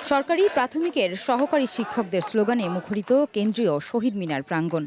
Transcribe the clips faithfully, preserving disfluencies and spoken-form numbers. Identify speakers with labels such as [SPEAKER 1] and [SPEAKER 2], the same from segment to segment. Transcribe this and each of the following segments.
[SPEAKER 1] সরকারি প্রাথমিকের সহকারী শিক্ষকদের স্লোগানে মুখরিত কেন্দ্রীয় শহীদ মিনার প্রাঙ্গণ।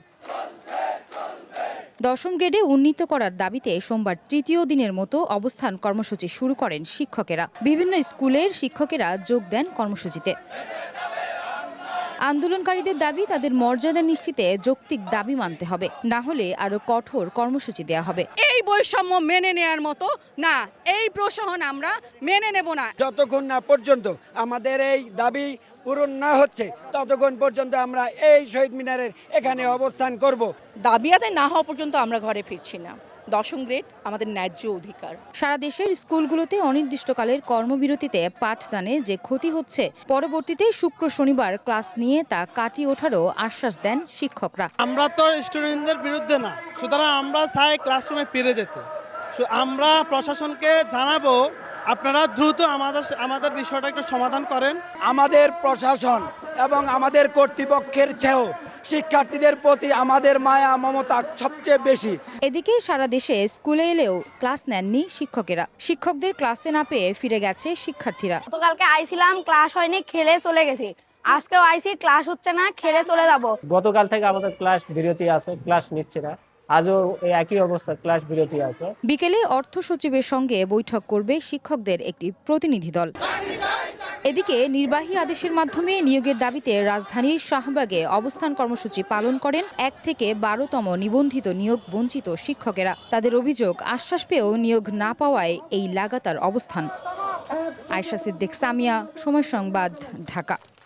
[SPEAKER 1] দশম গ্রেডে উন্নীত করার দাবিতে সোমবার তৃতীয় দিনের মতো অবস্থান কর্মসূচি শুরু করেন শিক্ষকেরা। বিভিন্ন স্কুলের শিক্ষকেরা যোগ দেন কর্মসূচিতে। আন্দোলনকারীদের দাবি, তাদের মর্যাদা নিশ্চিতে যৌক্তিক দাবি মানতে হবে, না হলে আরো কঠোর কর্মসূচি দেওয়া হবে।
[SPEAKER 2] এই বৈষম্য মেনে নেয়ার মতো না, এই প্রশাসন আমরা মেনে নেব না।
[SPEAKER 3] যতক্ষণ না পর্যন্ত আমাদের এই দাবি পূরণ না হচ্ছে ততক্ষণ পর্যন্ত আমরা এই শহীদ মিনারের এখানে অবস্থান করব।
[SPEAKER 2] দাবি আদায় না হওয়া পর্যন্ত আমরা ঘরে ফিরছি না। দশম গ্রেড আমাদের ন্যায্য অধিকার।
[SPEAKER 1] সারা দেশের স্কুলগুলোতে অনির্দিষ্টকালের কর্মবিরতিতে পাঠদানে যে ক্ষতি হচ্ছে, পরবর্তীতে শুক্র শনিবার ক্লাস নিয়ে তা কাটিয়ে ওঠারও আশ্বাস দেন শিক্ষকরা।
[SPEAKER 4] আমরা তো স্টুডেন্টদের বিরুদ্ধে না, সুতরাং আমরা চাই ক্লাসরুমে ফিরে যেতে। আমরা প্রশাসনকে জানাবো আপনারা দ্রুত আমাদের আমাদের বিষয়টা একটু সমাধান করেন।
[SPEAKER 3] আমাদের প্রশাসন এবং আমাদের কর্তৃপক্ষের চেয়েও শিক্ষার্থীদের প্রতি আমাদের মায়া মমতা সবচেয়ে বেশি।
[SPEAKER 1] এদিকে সারা দেশে স্কুলে এলেও ক্লাস নেননি শিক্ষকেরা। শিক্ষকদের ক্লাসে না পেয়ে ফিরে গেছে শিক্ষার্থীরা।
[SPEAKER 5] গতকালকে আইছিলাম, ক্লাস হয়নি, খেলে চলে গেছি। আজকেও আইছি, ক্লাস হচ্ছে না, খেলে চলে যাব।
[SPEAKER 6] গতকাল থেকে আমাদের ক্লাস বিরতি আছে, ক্লাস নিচ্ছে না। আজও এই একই অবস্থা, ক্লাস বিরতি আছে।
[SPEAKER 1] বিকেলে অর্থ সচিবের সঙ্গে বৈঠক করবে শিক্ষকদের একটি প্রতিনিধি দল। এদিকে নির্বাহী আদেশের মাধ্যমে নিয়োগের দাবিতে রাজধানীর শাহবাগে অবস্থান কর্মসূচি পালন করেন এক থেকে বারোতম নিবন্ধিত নিয়োগ বঞ্চিত শিক্ষকেরা। তাদের অভিযোগ, আশ্বাস পেয়েও নিয়োগ না পাওয়ায় এই লাগাতার অবস্থান। আয়েশা সিদ্দিক, সামিয়া, সময় সংবাদ, ঢাকা।